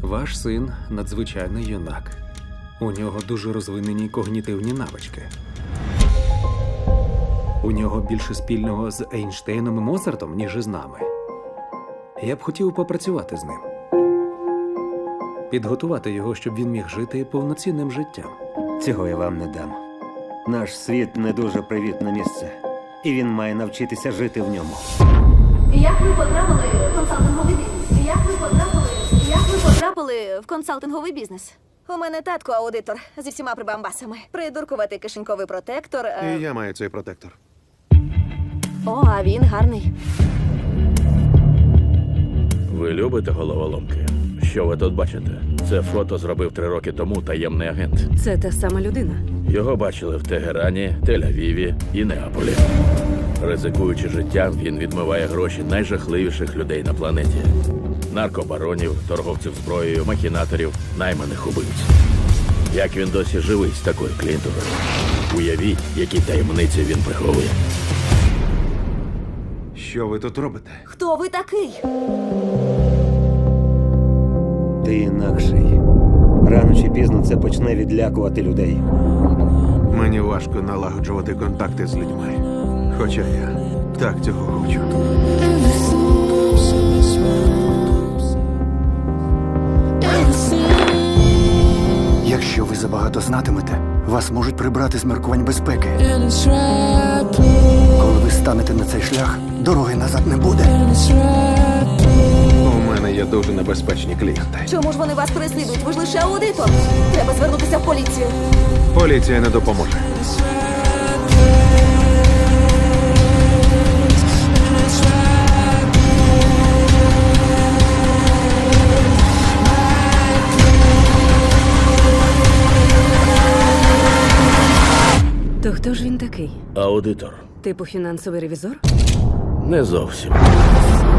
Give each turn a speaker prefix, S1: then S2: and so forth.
S1: Ваш син надзвичайний юнак. У нього дуже розвинені когнітивні навички. У нього більше спільного з Ейнштейном і Моцартом, ніж із нами. Я б хотів попрацювати з ним. Підготувати його, щоб він міг жити повноцінним життям.
S2: Цього я вам не дам. Наш світ не дуже привітне місце. І він має навчитися жити в ньому.
S3: Як ви потрапили в консалтинговий бізнес? Як ви потрапили в консалтинговий бізнес? У мене татко аудитор зі всіма прибамбасами. Придуркуватий кишеньковий протектор.
S4: І я маю цей протектор.
S3: О, а він гарний.
S5: Ви любите головоломки? Що ви тут бачите? Це фото зробив 3 роки тому таємний агент.
S6: Це та сама людина.
S5: Його бачили в Тегерані, Тель-Авіві і Неаполі. Ризикуючи життям, він відмиває гроші найжахливіших людей на планеті. Наркобаронів, торговців зброєю, махінаторів, найманих убивць. Як він досі живий з такою клієнтурою? Уявіть, які таємниці він приховує.
S4: Що ви тут робите?
S3: Хто ви такий?
S2: Ти інакший. Рано чи пізно це почне відлякувати людей.
S4: Мені важко налагоджувати контакти з людьми. Хоча я так цього хочу.
S7: Якщо ви забагато знатимете, вас можуть прибрати з міркувань безпеки. Коли ви станете на цей шлях, дороги назад не буде.
S4: У мене є дуже небезпечні клієнти.
S3: Чому ж вони вас переслідують? Ви ж лише аудитор. Треба звернутися в поліцію.
S4: Поліція не допоможе.
S6: То хто ж він такий?
S5: Аудитор.
S6: Типу фінансовий ревізор?
S5: Не зовсім.